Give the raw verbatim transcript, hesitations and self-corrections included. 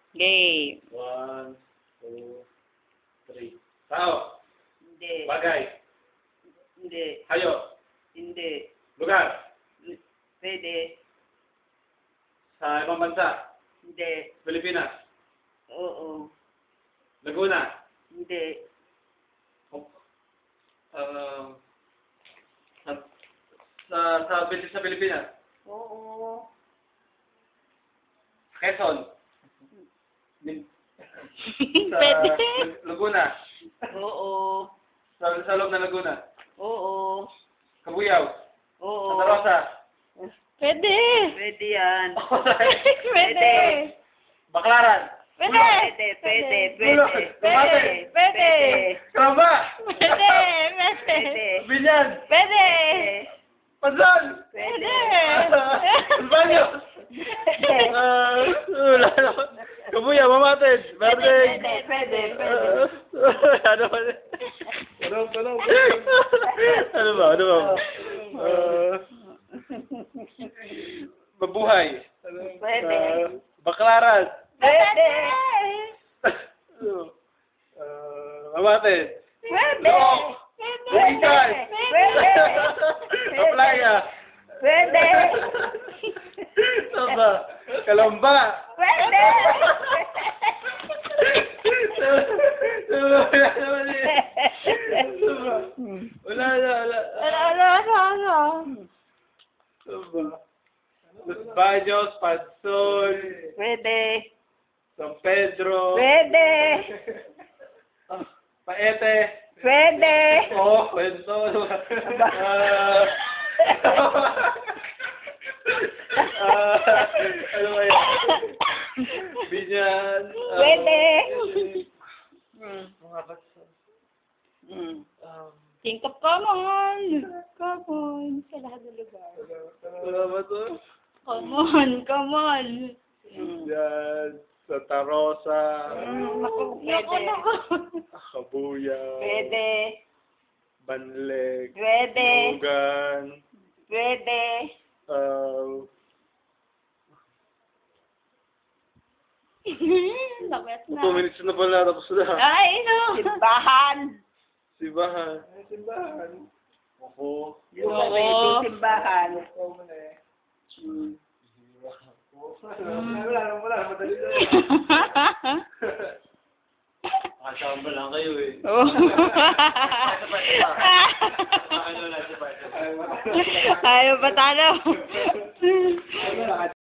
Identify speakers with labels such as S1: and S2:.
S1: Game.
S2: One, two, three. Tao.
S1: Hindi.
S2: Bagay.
S1: Hindi.
S2: Hayop.
S1: Hindi.
S2: Lugar.
S1: Pwede.
S2: Sa ibang bansa.
S1: Hindi.
S2: Pilipinas.
S1: Oo.
S2: Laguna.
S1: Hindi.
S2: Uh, sa, sa, sa, sa Pilipinas.
S1: Oo.
S2: Quezon. Min- sa
S1: Pwede.
S2: Laguna.
S1: Oo.
S2: Sa, sa loob ng Laguna.
S1: Oo.
S2: Kabuyaw.
S1: Oo.
S2: Santa Rosa.
S1: Pwede. Pwede yan.
S3: Pwede.
S2: Baclaran.
S3: Pwede.
S1: Pwede. Pwede. Pwede.
S2: Pwede.
S3: Pwede.
S2: Karamba.
S3: Pwede. Pwede.
S1: Pwede.
S2: Binyan.
S3: Pwede.
S2: Pansan.
S3: Pwede.
S2: Banyo. Ah, wala na. Kabuyaw, Mamated. Verde.
S1: Pwede. Pwede. Pwede.
S2: Ano ba? Ano ba? Ano ba? Ano ba? Ah, mabuhay.
S1: Pwede.
S2: Ah, Baclaran.
S1: Pwede.
S2: Ah, Mamated.
S1: Pwede.
S2: Bukidad.
S1: Pwede.
S2: Kaplaya.
S1: Pwede.
S2: Ano ba? Kalamba.
S1: Pwede.
S2: Wala naman eh. Wala na, wala.
S3: Ano, ano, ano, ano?
S2: Ano ba? Los Baños, Pansol,
S1: Pwede.
S2: San Pedro,
S1: Pwede.
S2: ah, Paete.
S1: Pwede.
S2: Oh, kwento. Ah, ah, ano ba yan? Binyan. ah,
S1: Pwede.
S2: Hmm, mga bansa.
S1: Mm.
S2: Um,
S3: Think of common. Common. Sa lahat ng lugar.
S2: wala ba to?
S3: Common. Common.
S2: Yan. Santa Rosa.
S1: Mm, naku,
S3: Naku,
S1: pwede.
S3: naku.
S2: Kabuyaw.
S1: Pwede.
S2: Banleg.
S1: Pwede.
S2: Lugan.
S1: Pwede.
S2: Uh,
S3: Lapit na.
S2: two minutes na pala. Tapos na.
S3: Ay, no.
S1: Simbahan.
S2: Simbahan. Simbahan. Opo.
S1: Yung
S3: Oo.
S1: pwede simbahan.
S2: Hmm.
S3: Mm.
S2: Wala, wala. Madali na. Nakasamba lang kayo eh.
S3: Oh.
S2: Ano na, sabay.
S3: Ayaw ba talo?